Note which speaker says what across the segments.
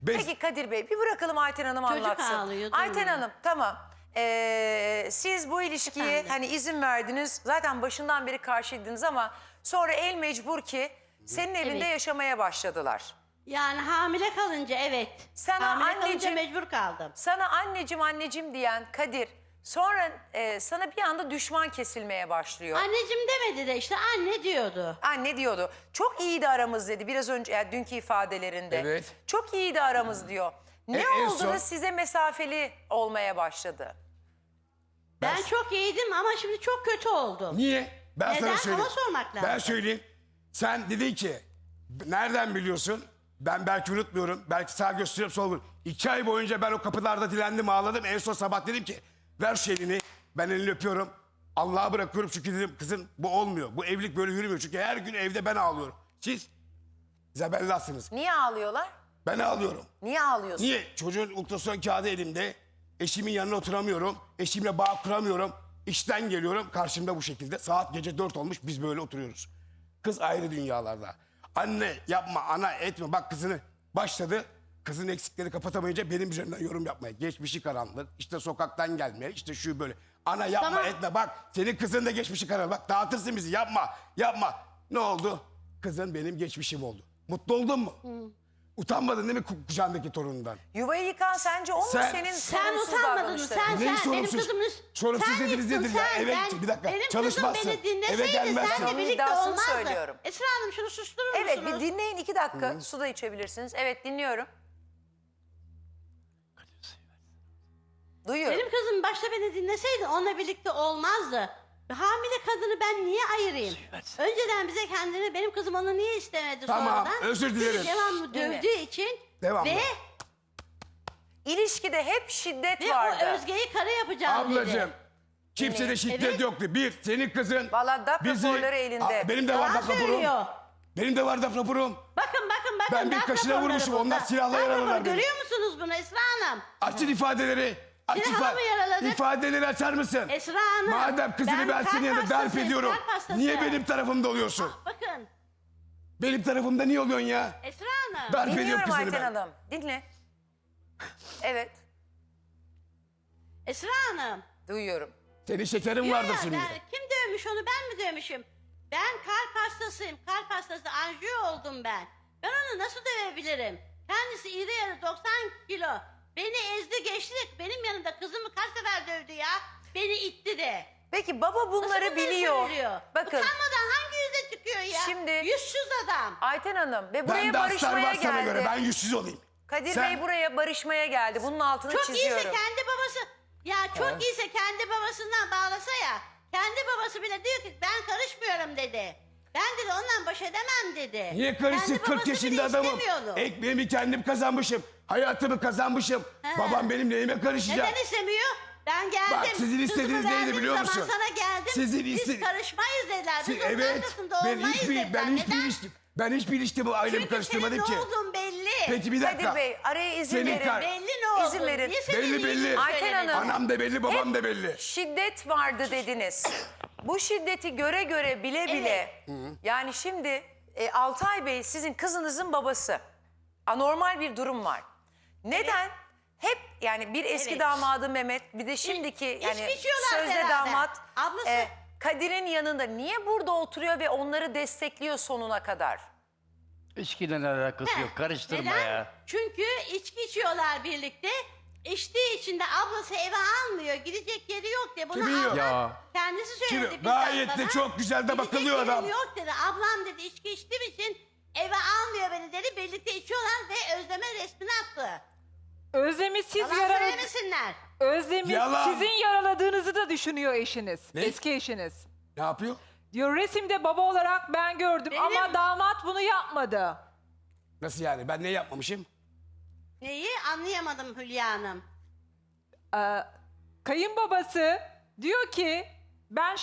Speaker 1: Peki Kadir Bey bir bırakalım Ayten Hanım
Speaker 2: Çocuk
Speaker 1: anlatsın.
Speaker 2: ağlıyor,
Speaker 1: Ayten
Speaker 2: duymuyor.
Speaker 1: Hanım tamam. Siz bu ilişkiye
Speaker 2: Efendim?
Speaker 1: hani izin verdiniz. Zaten başından beri karşıydınız ama sonra el mecbur ki senin evinde
Speaker 2: Evet.
Speaker 1: yaşamaya başladılar.
Speaker 2: Yani hamile kalınca evet.
Speaker 1: Sana
Speaker 2: hamile kalınca
Speaker 1: anneciğim-
Speaker 2: mecbur kaldım.
Speaker 1: Sana anneciğim diyen Kadir sonra sana bir anda düşman kesilmeye başlıyor.
Speaker 2: Anneciğim demedi de işte anne diyordu.
Speaker 1: Anne diyordu. Çok iyiydi aramız dedi biraz önce yani dünkü ifadelerinde.
Speaker 3: Evet.
Speaker 1: Çok iyiydi aramız diyor. Ne
Speaker 3: en
Speaker 1: oldu da
Speaker 3: son-
Speaker 1: size mesafeli olmaya başladı?
Speaker 2: Ben çok iyiydim ama şimdi çok kötü oldum.
Speaker 3: Niye? Ben
Speaker 2: Neden?
Speaker 3: sana söyleyeyim.
Speaker 2: Ona sormak lazım.
Speaker 3: Ben söyleyeyim. Sen dedin ki nereden biliyorsun? Ben belki unutmuyorum. Belki sağ gösteriyorum sol gösteriyorum. 2 ay boyunca ben o kapılarda dilendim ağladım. En son sabah dedim ki ver şu elini. Ben elini öpüyorum. Allah'a bırakıyorum çünkü dedim kızım bu olmuyor. Bu evlilik böyle yürümüyor. Çünkü her gün evde ben ağlıyorum. Siz zebellasınız.
Speaker 1: Niye ağlıyorlar?
Speaker 3: Ben ağlıyorum.
Speaker 1: Niye ağlıyorsun?
Speaker 3: Niye? Çocuğun ultrason kağıdı elimde. Eşimin yanına oturamıyorum. Eşimle bağ kuramıyorum. İşten geliyorum. Karşımda bu şekilde. Saat gece 4 olmuş. Biz böyle oturuyoruz. Kız ayrı dünyalarda. Anne yapma, ana etme. Bak kızını başladı. Kızın eksikleri kapatamayınca benim üzerimden yorum yapmaya. Geçmişi karanlık. İşte sokaktan gelmeye. İşte şu böyle. Ana yapma
Speaker 2: Tamam.
Speaker 3: etme. Bak senin kızın da geçmişi karanlık. Bak dağıtırsın bizi. Yapma. Yapma. Ne oldu? Kızın benim geçmişim oldu. Mutlu oldun mu? Utanmadın değil mi kucağındaki torunundan?
Speaker 1: Yuvayı yıkan sence o mu
Speaker 3: Sen-
Speaker 1: senin
Speaker 2: Sen
Speaker 1: sorunsuz
Speaker 2: utanmadın mı?
Speaker 1: davranışların?
Speaker 2: Sen
Speaker 3: Neyin
Speaker 2: benim
Speaker 3: sorumsuz?
Speaker 2: kızımın...
Speaker 3: Sorumsuz
Speaker 2: sen
Speaker 3: dediniz
Speaker 2: yıktın,
Speaker 3: nedir ya?
Speaker 2: sen,
Speaker 3: Eve
Speaker 2: ben-
Speaker 3: bir dakika,
Speaker 2: Benim
Speaker 3: çalışmazsın.
Speaker 2: kızım beni dinleseydi
Speaker 3: Eve gelmezsin.
Speaker 2: senle
Speaker 1: Onun
Speaker 2: birlikte
Speaker 1: iddiasını
Speaker 2: olmazdı.
Speaker 1: söylüyorum.
Speaker 2: Esra Hanım şunu susturur
Speaker 1: Evet
Speaker 2: musunuz?
Speaker 1: bir dinleyin 2 dakika. Su da içebilirsiniz. Evet dinliyorum. Duyuyorum.
Speaker 2: Benim kızım başta beni dinleseydi onunla birlikte olmazdı. Hamile kadını ben niye ayırayım? Önceden bize kendini benim kızım onu niye istemedi
Speaker 3: Tamam,
Speaker 2: sonradan?
Speaker 3: özür dilerim.
Speaker 2: Bizi devamlı
Speaker 1: Dinle.
Speaker 2: dövdüğü için
Speaker 3: Devamlı.
Speaker 2: ve
Speaker 1: İlişkide hep şiddet
Speaker 2: o
Speaker 1: vardı.
Speaker 2: Özge'yi kara yapacağım
Speaker 3: Ablacığım
Speaker 2: dedi.
Speaker 3: kimsede şiddet
Speaker 2: Evet.
Speaker 3: yoktu. Bir, senin kızın...
Speaker 1: Valla DAP raporları elinde.
Speaker 3: Benim de var
Speaker 2: Yalan
Speaker 3: DAP raporum.
Speaker 2: söylüyor.
Speaker 3: Benim de var DAP raporum.
Speaker 2: Bakın.
Speaker 3: Ben bir
Speaker 2: darp
Speaker 3: kaşına
Speaker 2: raporları
Speaker 3: vurmuşum,
Speaker 2: burada.
Speaker 3: onlar silahla
Speaker 2: Darp
Speaker 3: yaraladılar
Speaker 2: raporu
Speaker 3: beni.
Speaker 2: Görüyor musunuz bunu Esra Hanım?
Speaker 3: Açın ifadeleri. Aç
Speaker 2: Silahla mı yaraladık?
Speaker 3: ifadeleri açar mısın?
Speaker 2: Esra Hanım.
Speaker 3: Madem kızını ben senin yanında darp
Speaker 2: hastasıyım,
Speaker 3: ediyorum.
Speaker 2: kalp hastası.
Speaker 3: Niye benim tarafımda oluyorsun?
Speaker 2: Bakın
Speaker 3: Benim tarafımda niye oluyorsun ya?
Speaker 2: Esra Hanım.
Speaker 3: Darp ediyorum
Speaker 1: Dinliyorum
Speaker 3: kızını
Speaker 1: Ayten
Speaker 3: ben.
Speaker 1: Hanım. Dinle. Evet
Speaker 2: Esra Hanım.
Speaker 1: duyuyorum.
Speaker 3: Senin şekerin vardır
Speaker 2: Ya,
Speaker 3: şimdi.
Speaker 2: kim dövmüş onu ben mi dövmüşüm? Ben kalp hastasıyım. Kalp hastası anjiyo oldum ben. Ben onu nasıl dövebilirim? Kendisi iri yarı 90 kilo. Beni ezdi geçti. Benim yanımda kızımı kaç sefer dövdü ya. Beni itti de.
Speaker 1: Peki baba bunları
Speaker 2: Nasıl
Speaker 1: biliyor.
Speaker 2: söylüyor?
Speaker 1: Bakın
Speaker 2: Utanmadan hangi yüze çıkıyor ya?
Speaker 1: Şimdi-
Speaker 2: Yüzsüz adam.
Speaker 1: Ayten Hanım ve buraya
Speaker 3: Ben de aslar
Speaker 1: barışmaya
Speaker 3: var sana
Speaker 1: geldi.
Speaker 3: göre. Ben yüzsüz olayım.
Speaker 1: Kadir
Speaker 3: Sen-
Speaker 1: Bey buraya barışmaya geldi. Bunun altını
Speaker 2: Çok
Speaker 1: çiziyorum.
Speaker 2: iyiyse kendi babası. Ya çok iyiyse kendi babasından bağlasa ya. Kendi babası bile diyor ki ben karışmıyorum dedi. Ben dedi ondan baş edemem dedi.
Speaker 3: Niye karışsın?
Speaker 2: Kendi
Speaker 3: 40
Speaker 2: babası
Speaker 3: yaşında
Speaker 2: bile
Speaker 3: adamım.
Speaker 2: istemiyordu.
Speaker 3: Ekmeğimi kendim kazanmışım. Hayatımı kazanmışım.
Speaker 2: He.
Speaker 3: Babam benim neyime karışacak?
Speaker 2: Neden istemiyor? Ben geldim.
Speaker 3: Bak, sizin istediğiniz
Speaker 2: Kızımı
Speaker 3: neydi
Speaker 2: verdiğim
Speaker 3: biliyor
Speaker 2: zaman
Speaker 3: musun?
Speaker 2: Sana geldim.
Speaker 3: Sizin
Speaker 2: Biz
Speaker 3: iste-
Speaker 2: karışmayız dediler. Biz
Speaker 3: Siz-
Speaker 2: onun
Speaker 3: evet.
Speaker 2: arkasında
Speaker 3: Ben
Speaker 2: olmayız
Speaker 3: hiçbir
Speaker 2: dediler.
Speaker 3: ben hiçbir ilişki bu ailemi
Speaker 2: Çünkü
Speaker 3: karıştırmadım
Speaker 2: senin
Speaker 3: ki.
Speaker 2: ne olduğun belli.
Speaker 3: Peki bir dakika.
Speaker 1: Kadir Bey araya izin
Speaker 3: Senin
Speaker 1: verin.
Speaker 3: kar-
Speaker 2: Belli ne olduğun.
Speaker 1: İzin verin.
Speaker 2: Niye senin
Speaker 3: Belli,
Speaker 2: ilgini
Speaker 3: belli.
Speaker 1: Ayten
Speaker 2: söylemedin?
Speaker 1: Hanım.
Speaker 3: Anam da belli, babam da belli.
Speaker 1: Şiddet vardı dediniz. Bu şiddeti göre göre bile bile yani şimdi Altay Bey sizin kızınızın babası. Anormal bir durum var. Neden? Hep yani bir eski
Speaker 2: Evet.
Speaker 1: damadı Mehmet bir de şimdiki yani
Speaker 2: içiyorlar
Speaker 1: sözde
Speaker 2: beraber.
Speaker 1: damat
Speaker 2: Ablası.
Speaker 1: Kadir'in yanında niye burada oturuyor ve onları destekliyor sonuna kadar?
Speaker 4: İçkiden alakası yok. Karıştırma
Speaker 2: Neden?
Speaker 4: ya.
Speaker 2: Çünkü içki içiyorlar birlikte. İçtiği için de ablası eve almıyor. Gidecek yeri yok diye. Bunu
Speaker 3: Kimi yok?
Speaker 2: ablam
Speaker 4: Ya.
Speaker 2: kendisi söyledi.
Speaker 3: Kimi?
Speaker 2: bizzat
Speaker 3: Gayet de
Speaker 2: bana.
Speaker 3: çok güzel de
Speaker 2: Gidecek
Speaker 3: bakılıyor
Speaker 2: yerim
Speaker 3: adam.
Speaker 2: yok dedi. Ablam dedi içki içtiğim için eve almıyor beni dedi. Birlikte içiyorlar ve Özlem'e resmini attı.
Speaker 5: Özlem'i siz
Speaker 2: Yalan söylemesinler.
Speaker 5: Özlem'i
Speaker 3: Yalan.
Speaker 5: sizin yaraladığınızı da düşünüyor eşiniz.
Speaker 3: Ne?
Speaker 5: Eski eşiniz.
Speaker 3: Ne yapıyor?
Speaker 5: Diyor resimde baba olarak ben gördüm
Speaker 2: Benim-
Speaker 5: ama damat bunu yapmadı.
Speaker 3: Nasıl yani? Ben ne yapmamışım?
Speaker 2: Neyi anlayamadım Hülya Hanım.
Speaker 5: Kayınbabası diyor ki ben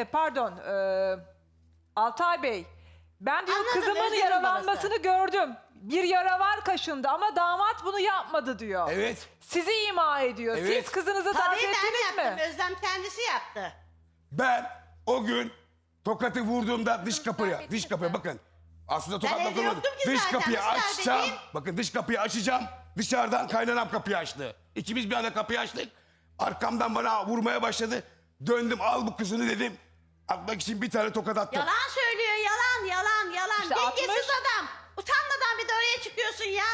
Speaker 5: Altay Bey ben diyor
Speaker 2: Anladım,
Speaker 5: kızımın
Speaker 2: Özlem'in
Speaker 5: yaralanmasını gördüm. Bir yara var kaşında ama damat bunu yapmadı diyor.
Speaker 3: Evet.
Speaker 5: Sizi ima ediyor.
Speaker 3: Evet.
Speaker 5: Siz kızınızı darp
Speaker 2: Tabii ben
Speaker 5: ettiniz
Speaker 2: yaptım.
Speaker 5: mi?
Speaker 2: Özlem kendisi yaptı.
Speaker 3: Ben o gün tokatı vurduğumda dış kapıya,
Speaker 2: etmişsin.
Speaker 3: bakın. Aslında
Speaker 2: Ben
Speaker 3: tokatla
Speaker 2: evde
Speaker 3: vurmadım.
Speaker 2: yoktum ki
Speaker 3: Dış
Speaker 2: zaten,
Speaker 3: kapıyı
Speaker 2: nasıl
Speaker 3: açacağım.
Speaker 2: darp edeyim?
Speaker 3: Bakın dış kapıyı açacağım. Dışarıdan kaynanam kapıyı açtı. İkimiz bir anda kapıyı açtık. Arkamdan bana vurmaya başladı. Döndüm, al bu kızını dedim. Atmak için bir tane tokat attım.
Speaker 2: Yalan söylüyor, yalan, yalan, yalan.
Speaker 5: İşte
Speaker 2: Dengesiz
Speaker 5: 60.
Speaker 2: adam. Utanmadan bir de oraya çıkıyorsun ya.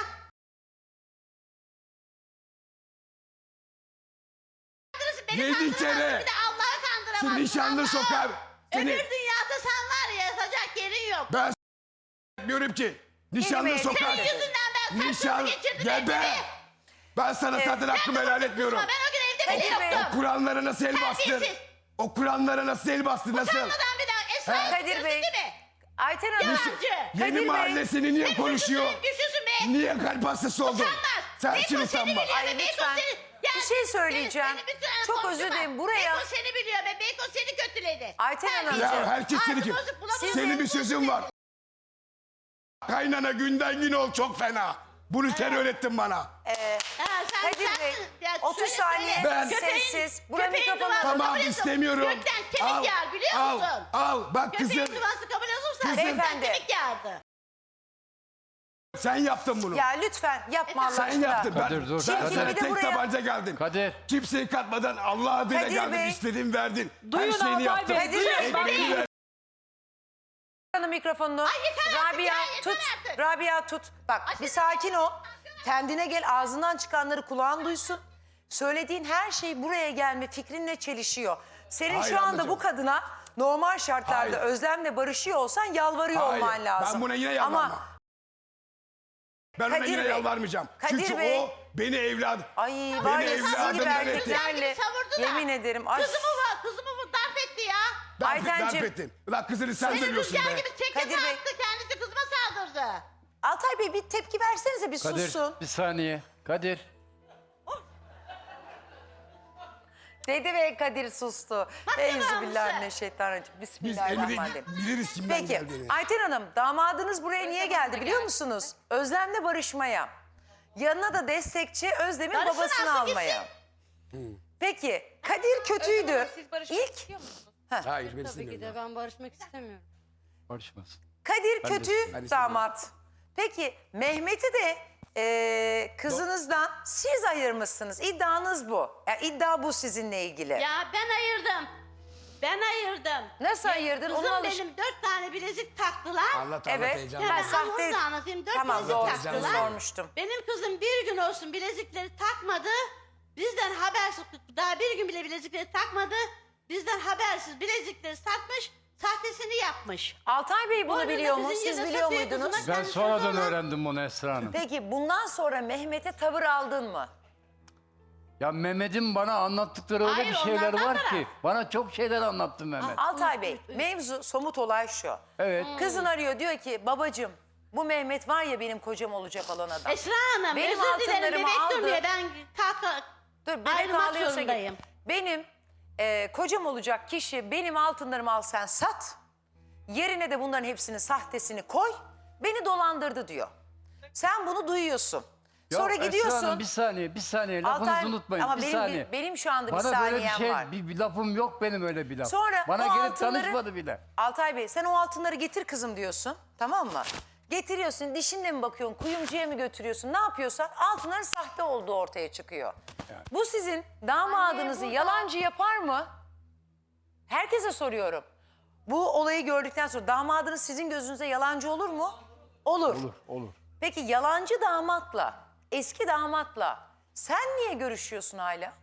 Speaker 2: Beni
Speaker 3: 7
Speaker 2: kandıramazsın,
Speaker 3: kere.
Speaker 2: bir de Allah'ı kandıramazsın.
Speaker 3: Şu nişanlı
Speaker 2: Allah'ı.
Speaker 3: sokar. Seni
Speaker 2: Öbür dünyada sen var ya, yazacak yerin yok.
Speaker 3: ben diyorum ki nişanlı
Speaker 1: Bey,
Speaker 3: sokar.
Speaker 2: Senin yüzünden ben
Speaker 3: Nişan
Speaker 2: geçirdim
Speaker 3: gel be.
Speaker 2: hepsini.
Speaker 3: Ben sana zaten hakkımı helal etmiyorum.
Speaker 2: Ben o gün evde bile
Speaker 1: Kadir Bey.
Speaker 2: yoktum.
Speaker 3: Kur'anlara nasıl el bastın?
Speaker 2: Terbiyesiz.
Speaker 3: O Kur'anlara nasıl el bastın? Nasıl?
Speaker 2: Utanmadan bir daha Esra'yı
Speaker 1: Kadir
Speaker 2: tutuyorsun
Speaker 1: Bey.
Speaker 2: değil mi?
Speaker 1: Ayten Hanım.
Speaker 2: Yalancı.
Speaker 3: Yeni
Speaker 1: Bey.
Speaker 3: mahallesini niye konuşuyor?
Speaker 2: Güçlüsün be.
Speaker 3: Niye kalp hastası oldun?
Speaker 2: Utanmaz.
Speaker 3: Sen
Speaker 2: Beko
Speaker 3: için
Speaker 2: seni
Speaker 3: utanma.
Speaker 2: biliyor
Speaker 1: Ay,
Speaker 2: be, Beko
Speaker 1: lütfen.
Speaker 2: seni- Ya,
Speaker 1: Bir şey söyleyeceğim.
Speaker 2: seni bütün
Speaker 1: Çok
Speaker 2: konuşma.
Speaker 1: özür dilerim. Buraya-
Speaker 2: Beko seni biliyor be. Beko seni kötüledi.
Speaker 1: Ayten
Speaker 2: Terbiyesiz.
Speaker 1: Hanımcığım.
Speaker 3: Ya herkes seni
Speaker 2: Ağzı
Speaker 3: kim?
Speaker 2: bozuk, bulamaz.
Speaker 3: Senin bir sözün var. Kaynana günden gün ol çok fena. Bunu sen öğrettin bana.
Speaker 2: Ha, sen-
Speaker 1: Kadir Bey,
Speaker 2: sensin. Ya
Speaker 1: 30
Speaker 2: söyle,
Speaker 1: saniye
Speaker 2: söyle.
Speaker 3: Ben-
Speaker 1: sessiz. Buraya
Speaker 2: köpeğin
Speaker 1: mikrofonu-
Speaker 2: duası
Speaker 3: Tamam
Speaker 2: kabul ediyorsun.
Speaker 3: istemiyorum.
Speaker 2: Gökten kemik yağar biliyor
Speaker 3: al,
Speaker 2: musun?
Speaker 3: al. Bak
Speaker 2: Köpeğin
Speaker 3: kızım
Speaker 2: duası kabul olursa
Speaker 3: Kızım-
Speaker 2: gökten
Speaker 1: Beyefendi.
Speaker 2: kemik yağardı.
Speaker 3: sen yaptın bunu.
Speaker 1: Ya lütfen yapma Allah
Speaker 3: Sen
Speaker 1: aşkına.
Speaker 3: yaptın. Ben,
Speaker 4: Kadir, dur.
Speaker 3: ben
Speaker 4: Kadir.
Speaker 3: sana
Speaker 1: Bir de
Speaker 3: tek
Speaker 1: buraya-
Speaker 3: tabanca geldim.
Speaker 4: Kadir.
Speaker 3: Kimseyi katmadan Allah adıyla
Speaker 1: Kadir
Speaker 3: geldim.
Speaker 1: Bey.
Speaker 3: İstediğin verdin.
Speaker 5: Duyun
Speaker 3: Her şeyini
Speaker 5: Altay
Speaker 3: yaptım.
Speaker 5: Bey, duyun.
Speaker 3: Ekmeğini
Speaker 5: Bak-
Speaker 3: ver-
Speaker 1: Hanım mikrofonunu.
Speaker 2: yeter artık
Speaker 1: Rabia
Speaker 2: ya, yeter
Speaker 1: tut.
Speaker 2: artık.
Speaker 1: Rabia tut. Bak bir sakin ol. Kendine gel, ağzından çıkanları kulağın duysun. Söylediğin her şey buraya gelme fikrinle çelişiyor. Senin
Speaker 3: Hayır
Speaker 1: şu anda
Speaker 3: ablacığım.
Speaker 1: bu kadına normal şartlarda
Speaker 3: Hayır.
Speaker 1: Özlem'le barışıyor olsan yalvarıyor
Speaker 3: Hayır,
Speaker 1: olman lazım.
Speaker 3: ben buna yine yalvarmam.
Speaker 1: Ama
Speaker 3: Ben ona
Speaker 1: Kadir
Speaker 3: yine
Speaker 1: Bey.
Speaker 3: yalvarmayacağım.
Speaker 1: Kadir
Speaker 3: Çünkü
Speaker 1: Bey.
Speaker 3: o beni evladım.
Speaker 1: ay
Speaker 3: Beni
Speaker 1: var ya sizin gibi
Speaker 3: evladımdan etti.
Speaker 1: erkeklerle
Speaker 2: Savurdu da.
Speaker 1: yemin ederim. Ay,
Speaker 2: Kızımı darp etti ya.
Speaker 1: Aytenciğim.
Speaker 3: Darp ettin. Ulan kızını sen
Speaker 2: Beni
Speaker 3: dövüyorsun
Speaker 2: rüzgar
Speaker 3: be.
Speaker 2: gibi çekti
Speaker 1: Kadir Bey.
Speaker 2: attı. Kendisi kızıma saldırdı.
Speaker 1: Altay Bey bir tepki versenize bir
Speaker 4: Kadir
Speaker 1: sussun.
Speaker 4: bir saniye. Kadir.
Speaker 1: Dedi ve Kadir sustu. Euzubillahimineşşeytanirracim.
Speaker 3: Biz
Speaker 1: Bismillahirrahmanirrahim.
Speaker 3: biliriz kimden
Speaker 1: Peki
Speaker 3: geldiğini.
Speaker 1: Ayten Hanım damadınız buraya niye geldi biliyor musunuz? Özlem'le barışmaya. Yanına da destekçi Özlem'in
Speaker 2: Barışın
Speaker 1: babasını
Speaker 2: alsın
Speaker 1: almaya. Peki Kadir kötüydü.
Speaker 6: Siz barışmak
Speaker 1: İlk
Speaker 6: istiyor musunuz?
Speaker 3: Hayır ben
Speaker 6: Tabii ki
Speaker 3: istemiyorum.
Speaker 6: de ben barışmak istemiyorum.
Speaker 4: Barışmasın.
Speaker 1: Kadir
Speaker 4: Ben de
Speaker 1: kötü
Speaker 3: istemiyorum.
Speaker 1: damat. Peki Mehmet'i de kızınızdan siz ayırmışsınız. İddianız bu. Yani iddia bu sizinle ilgili.
Speaker 2: Ya ben ayırdım. Ben ayırdım.
Speaker 1: Nasıl ayırdın?
Speaker 2: Kızım
Speaker 1: Onu
Speaker 2: benim 4 tane bilezik taktılar.
Speaker 3: Anlat
Speaker 1: Evet.
Speaker 3: heyecan.
Speaker 2: Ya
Speaker 1: Ha,
Speaker 2: ben
Speaker 1: sahte-
Speaker 2: onu da anlatayım. 4
Speaker 1: Tamam
Speaker 2: bilezik
Speaker 1: doğru
Speaker 2: taktılar.
Speaker 1: sormuştum.
Speaker 2: Benim kızım bir gün olsun bilezikleri takmadı. Bizden habersiz, daha bir gün bile bilezikleri takmadı. Bizden habersiz bilezikleri satmış, sahtesini yapmış.
Speaker 1: Altay Bey bunu
Speaker 2: Boynunda
Speaker 1: biliyor mu?
Speaker 2: bizim
Speaker 1: Siz
Speaker 2: yerine
Speaker 1: biliyor
Speaker 2: satıyor
Speaker 1: muydunuz?
Speaker 2: kızına.
Speaker 4: Ben
Speaker 2: Kendi
Speaker 4: sonradan
Speaker 2: sözü olan-
Speaker 4: öğrendim bunu Esra Hanım.
Speaker 1: Peki bundan sonra Mehmet'e tavır aldın mı?
Speaker 4: Ya Mehmet'in bana anlattıkları öyle
Speaker 2: Hayır,
Speaker 4: bir şeyler
Speaker 2: onlardan
Speaker 4: var
Speaker 2: taraf.
Speaker 4: ki. Bana çok şeyler anlattı Mehmet.
Speaker 1: Altay Bey, mevzu somut olay şu.
Speaker 4: Evet.
Speaker 1: Kızın arıyor diyor ki babacığım bu Mehmet var ya benim kocam olacak olan adam.
Speaker 2: Esra Hanım
Speaker 1: Benim
Speaker 2: özür dilerim
Speaker 1: altınlarımı
Speaker 2: bebek
Speaker 1: aldı.
Speaker 2: durmuyor. Ben kalk
Speaker 1: Dur bebek
Speaker 2: ayrılmak
Speaker 1: ağlıyorsa
Speaker 2: zorundayım.
Speaker 1: git. Benim kocam olacak kişi benim altınlarımı al sen sat. Yerine de bunların hepsini sahtesini koy. Beni dolandırdı diyor. Sen bunu duyuyorsun.
Speaker 4: Ya
Speaker 1: Sonra
Speaker 4: Esra
Speaker 1: gidiyorsun.
Speaker 4: Hanım, bir saniye lafınızı
Speaker 1: Altay-
Speaker 4: unutmayın.
Speaker 1: ama
Speaker 4: bir
Speaker 1: benim,
Speaker 4: saniye.
Speaker 1: benim şu anda bir
Speaker 4: Bana böyle bir
Speaker 1: saniyem
Speaker 4: şey,
Speaker 1: var.
Speaker 4: bir lafım yok benim öyle bir laf.
Speaker 1: Sonra
Speaker 4: Bana
Speaker 1: o
Speaker 4: gelip
Speaker 1: altınları-
Speaker 4: tanışmadı bile.
Speaker 1: Altay Bey sen o altınları getir kızım diyorsun. Tamam mı? Getiriyorsun dişinle mi bakıyorsun kuyumcuya mı götürüyorsun ne yapıyorsan altınların sahte olduğu ortaya çıkıyor. Bu sizin damadınızı yalancı yapar mı? Herkese soruyorum. Bu olayı gördükten sonra damadınız sizin gözünüze yalancı olur mu? Olur.
Speaker 4: Olur.
Speaker 1: Peki yalancı damatla, eski damatla sen niye görüşüyorsun hala?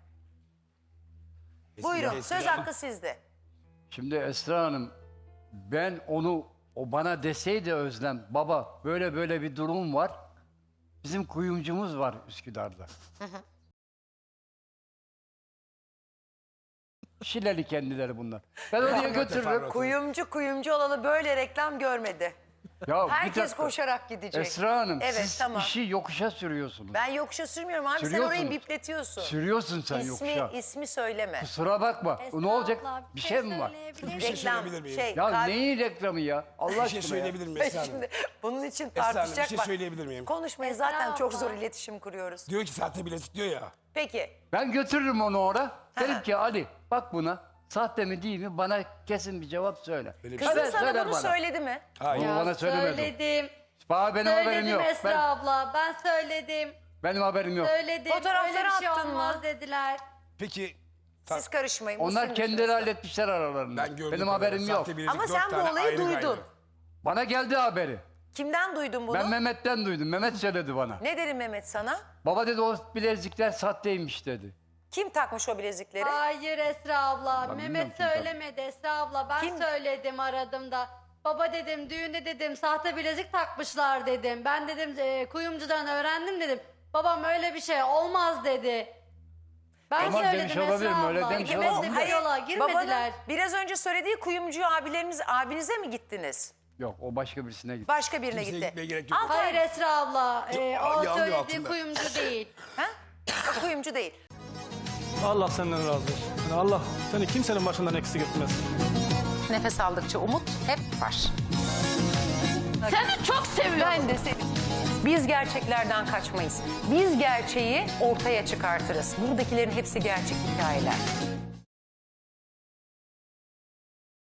Speaker 1: Buyurun söz hakkı sizde.
Speaker 4: Şimdi Esra Hanım, ben o bana deseydi Özlem, baba böyle böyle bir durum var. Bizim kuyumcumuz var Üsküdar'da. Şileli kendileri bunlar. Ben oraya götürürüm.
Speaker 1: Kuyumcu olalı böyle reklam görmedi.
Speaker 4: Ya bir
Speaker 1: Herkes
Speaker 4: dakika.
Speaker 1: koşarak gidecek.
Speaker 4: Esra Hanım,
Speaker 1: Evet,
Speaker 4: siz
Speaker 1: tamam.
Speaker 4: işi yokuşa sürüyorsunuz.
Speaker 1: Ben yokuşa sürmüyorum abi sen
Speaker 4: Sürüyorsunuz.
Speaker 1: orayı bipletiyorsun.
Speaker 4: Sürüyorsun sen yokuşa.
Speaker 1: İsmi söyleme.
Speaker 4: Kusura bakma. Ne olacak?
Speaker 6: Abla,
Speaker 4: Bir şey mi var?
Speaker 6: söyleyebilir
Speaker 3: Bir şey
Speaker 6: miyim?
Speaker 3: söyleyebilir miyim?
Speaker 1: şey.
Speaker 4: Ya
Speaker 1: kalp-
Speaker 4: neyin reklamı ya? Allah
Speaker 3: Bir şey
Speaker 4: aşkına ya.
Speaker 3: söyleyebilir miyim Esra Hanım?
Speaker 1: Şimdi bunun için
Speaker 3: Esra Hanım, bir
Speaker 1: tartışacak
Speaker 3: şey
Speaker 1: bak.
Speaker 3: söyleyebilir miyim?
Speaker 1: Konuşmayı
Speaker 6: Esra
Speaker 1: zaten çok
Speaker 6: abla.
Speaker 1: zor iletişim kuruyoruz.
Speaker 3: Diyor ki sahte bilezik diyor ya.
Speaker 1: Peki
Speaker 4: Ben götürürüm onu oraya. Derim ki Ali bak buna. Sahte mi değil mi? Bana kesin bir cevap söyle.
Speaker 1: kızın
Speaker 4: Söyler
Speaker 1: sana bunu
Speaker 4: bana.
Speaker 1: söyledi mi?
Speaker 3: Hayır.
Speaker 4: Bunu bana söylemedi.
Speaker 6: Söyledim.
Speaker 4: Bana benim haberim
Speaker 6: Söyledim
Speaker 4: yok.
Speaker 6: Esra abla. Ben söyledim.
Speaker 4: Benim haberim yok.
Speaker 6: Söyledim.
Speaker 1: Fotoğrafları
Speaker 6: öyle bir şey
Speaker 1: attın mı?
Speaker 6: olmaz dediler.
Speaker 3: Peki
Speaker 1: Siz karışmayın.
Speaker 4: Onlar
Speaker 1: Müslüm
Speaker 4: kendileri
Speaker 1: dışarısı.
Speaker 4: halletmişler aralarında.
Speaker 3: ben gördüm.
Speaker 4: Benim haberim yok.
Speaker 1: Ama sen bu olayı duydun.
Speaker 4: Bana geldi haberi.
Speaker 1: Kimden duydun bunu?
Speaker 4: Ben Mehmet'ten duydum. Mehmet söyledi bana.
Speaker 1: Ne dedi Mehmet sana?
Speaker 4: Baba dedi o bilezikler sahteymiş dedi.
Speaker 1: Kim takmış o bilezikleri?
Speaker 6: Hayır Esra abla.
Speaker 4: Ben bilmiyorum
Speaker 6: Mehmet
Speaker 4: kim
Speaker 6: söylemedi Esra abla. Ben
Speaker 1: Kim?
Speaker 6: söyledim aradım da. Baba dedim düğünde dedim sahte bilezik takmışlar dedim. Ben dedim kuyumcudan öğrendim dedim. Babam öyle bir şey olmaz dedi. Ben
Speaker 4: Tamam,
Speaker 6: söyledim
Speaker 4: demiş
Speaker 6: Esra
Speaker 4: olabilirim,
Speaker 6: abla.
Speaker 4: öyle demiş
Speaker 6: Girmediler,
Speaker 4: olabilirim.
Speaker 6: bir yola girmediler.
Speaker 1: Babanın biraz önce söylediği kuyumcu abinize mi gittiniz?
Speaker 4: Yok o başka birisine gitti.
Speaker 1: Başka birine
Speaker 3: Kimseye
Speaker 1: gitti.
Speaker 3: gitmeye gerek yok.
Speaker 1: Altay,
Speaker 6: Hayır Esra abla. O
Speaker 3: yanıyor
Speaker 6: söylediği
Speaker 3: altında.
Speaker 6: kuyumcu değil.
Speaker 1: ha? O kuyumcu değil.
Speaker 7: Allah senden razı olsun. Yani Allah seni kimsenin başından eksik etmez.
Speaker 1: Nefes aldıkça umut hep var.
Speaker 2: Seni çok seviyorum.
Speaker 1: Ben de seni. Biz gerçeklerden kaçmayız. Biz gerçeği ortaya çıkartırız. Buradakilerin hepsi gerçek hikayeler.